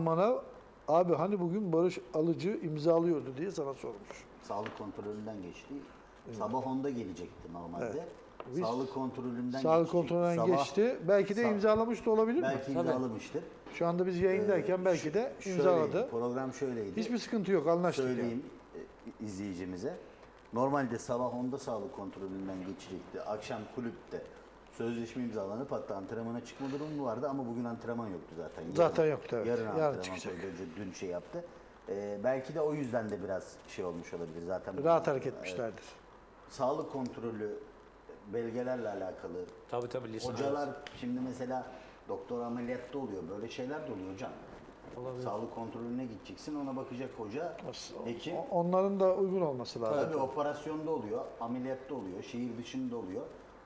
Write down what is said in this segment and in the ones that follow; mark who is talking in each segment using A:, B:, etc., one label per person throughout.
A: zaman bana abi hani bugün Barış Alıcı imzalıyordu diye sana sormuş.
B: Sağlık kontrolünden geçti. Sabah 10'da gelecekti normalde.
A: Evet. Biz
B: Sağlık kontrolünden
A: Sağlık
B: geçecekti.
A: kontrolünden
B: Sabah-
A: geçti. Belki de imzalamış da olabilir mi?
B: Belki imzalamıştır.
A: Şu anda biz yayındayken belki de
B: Şöyleydi,
A: imzaladı.
B: program şöyleydi.
A: Hiçbir sıkıntı yok, anlaştık.
B: Söyleyeyim izleyicimize. Normalde sabah 10'da sağlık kontrolünden geçecekti. Akşam kulüpte sözleşme imzalanıp hatta antrenmana çıkma durumu vardı ama bugün antrenman yoktu zaten.
A: Zaten yoktu, evet.
B: Yarın
A: Yarın
B: antrenman
A: çıkacak.
B: koydu. Önce dün şey yaptı. Belki de o yüzden de biraz şey olmuş olabilir. Zaten
A: Rahat hareket etmişlerdir.
B: sağlık kontrolü belgelerle alakalı.
C: Tabii lise.
B: Hocalar şimdi mesela doktor ameliyatta oluyor. Böyle şeyler de oluyor hocam. Sağlık kontrolüne gideceksin. Ona bakacak hoca, hekim.
A: Onların da uygun olması lazım.
B: Tabii operasyonda oluyor, ameliyatta oluyor, şehir dışında oluyor.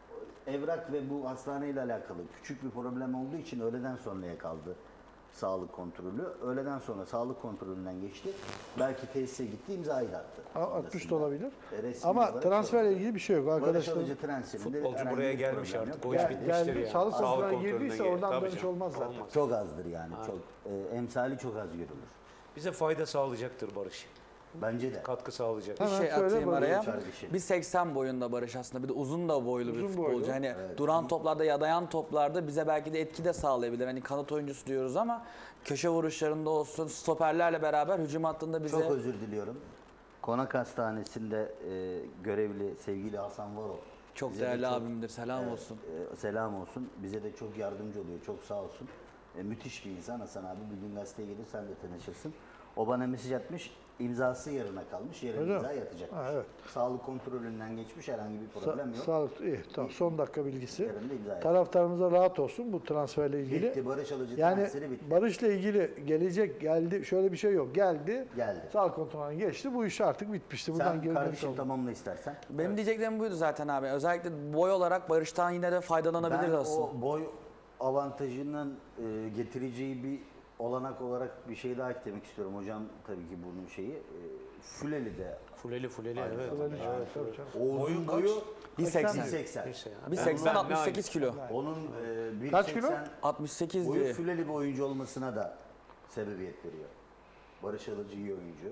B: Evrak ve bu hastaneyle alakalı küçük bir problem olduğu için öğleden sonraya kaldı sağlık kontrolü. Öğleden sonra sağlık kontrolünden geçti. Belki tesise gitti, imzayı da attı.
A: Atmış da olabilir.
B: Resmi
A: Ama
B: olarak
A: transferle
B: şey
A: ilgili bir şey yok
B: Barış
A: arkadaşlar.
B: Alıcı transferinde
C: Futbolcu
B: herhangi
C: buraya
B: bir
C: gelmiş
B: problem
C: artık.
B: yok.
C: O iş
B: Geldi.
C: bitmiştir
A: Geldi,
C: yani.
A: sağlık kontrolüne
C: kontrolünden
A: girdiyse
C: geldi.
A: oradan
C: Tabii
A: dönüş
C: canım.
A: olmaz zaten.
C: Olmaz.
B: Çok azdır yani. Çok emsali çok az görülür.
C: Bize fayda sağlayacaktır Barış.
B: Bence de.
C: Katkı sağlayacak.
D: Bir
A: Hemen
D: şey
A: söyle
D: atayım
A: Barış
D: araya.
B: kardeşim.
D: Bir 80 boyunda Barış aslında. Bir de uzun da boylu bir
A: Uzun
D: futbolcu.
A: boylu.
D: Hani duran toplarda ya dayan toplarda bize belki de etki de sağlayabilir. Hani kanat oyuncusu diyoruz ama köşe vuruşlarında olsun, stoperlerle beraber hücum hattında bize...
B: Çok özür diliyorum. Konak Hastanesi'nde görevli sevgili Hasan Varol.
D: Çok
B: bize de
D: değerli abimdir. Selam
B: evet,
D: olsun.
B: selam olsun. Bize de çok yardımcı oluyor. Çok sağ olsun. Müthiş bir insan Hasan abi. Bir gün gazeteye gelir sen de tanışırsın. O bana mesaj atmış. İmzası yarına kalmış. Yarın
A: Öyle
B: imza
A: mi?
B: yatacakmış.
A: Ha, evet.
B: Sağlık kontrolünden geçmiş. Herhangi bir problem yok.
A: Sağlık iyi. Tamam. Son dakika bilgisi.
B: Yarın da imza yapacak.
A: Taraftarımıza rahat olsun bu transferle ilgili.
B: Bitti. Barış Alıcı
A: Yani
B: transferi bitti.
A: Barış'la ilgili gelecek geldi. Şöyle bir şey yok. Geldi.
B: Geldi.
A: Sağlık kontrolünden geçti. Bu iş artık bitmişti. Buradan
B: Sen
A: geri dönüş
B: kardeşim
A: olmaz.
B: tamamla istersen.
D: Benim diyeceklerim buydu zaten abi. Özellikle boy olarak Barış'tan yine de faydalanabiliriz
B: Ben
D: aslında.
B: o boy avantajının getireceği bir olanak olarak bir şey daha eklemek istiyorum. Hocam tabii ki bunun şeyi. Füleli de.
C: Fuleli evet.
A: Evet, tabii canım.
B: O uzun boyu
D: 1.80.
B: 1.80.
C: Neyse ya.
D: Bir 80 68 kilo.
B: Onun
A: Kaç kilo?
B: 1.80
D: 68
B: boyu
D: diye.
B: Füleli bir oyuncu olmasına da sebebiyet veriyor. Barış Alıcı iyi oyuncu.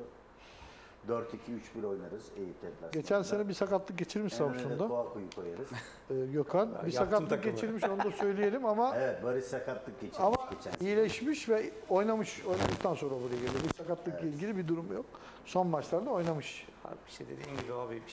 B: 4-2-3-1 oynarız Eyüp deplasmanında.
A: Geçen sene bir sakatlık geçirmiş
B: En önüne
A: Samsun'da.
B: Kouakou'yu koyarız.
A: Gökhan. Bir
C: Yaptım
A: sakatlık
C: takımı.
A: geçirmiş onu da söyleyelim ama
B: Evet Barış sakatlık geçirmiş
A: ama
B: geçen sene.
A: iyileşmiş ve oynadıktan sonra buraya geliyor. Bir sakatlıkla ilgili bir durum yok. Son maçlarda oynamış.
C: Abi işte dediğim gibi abi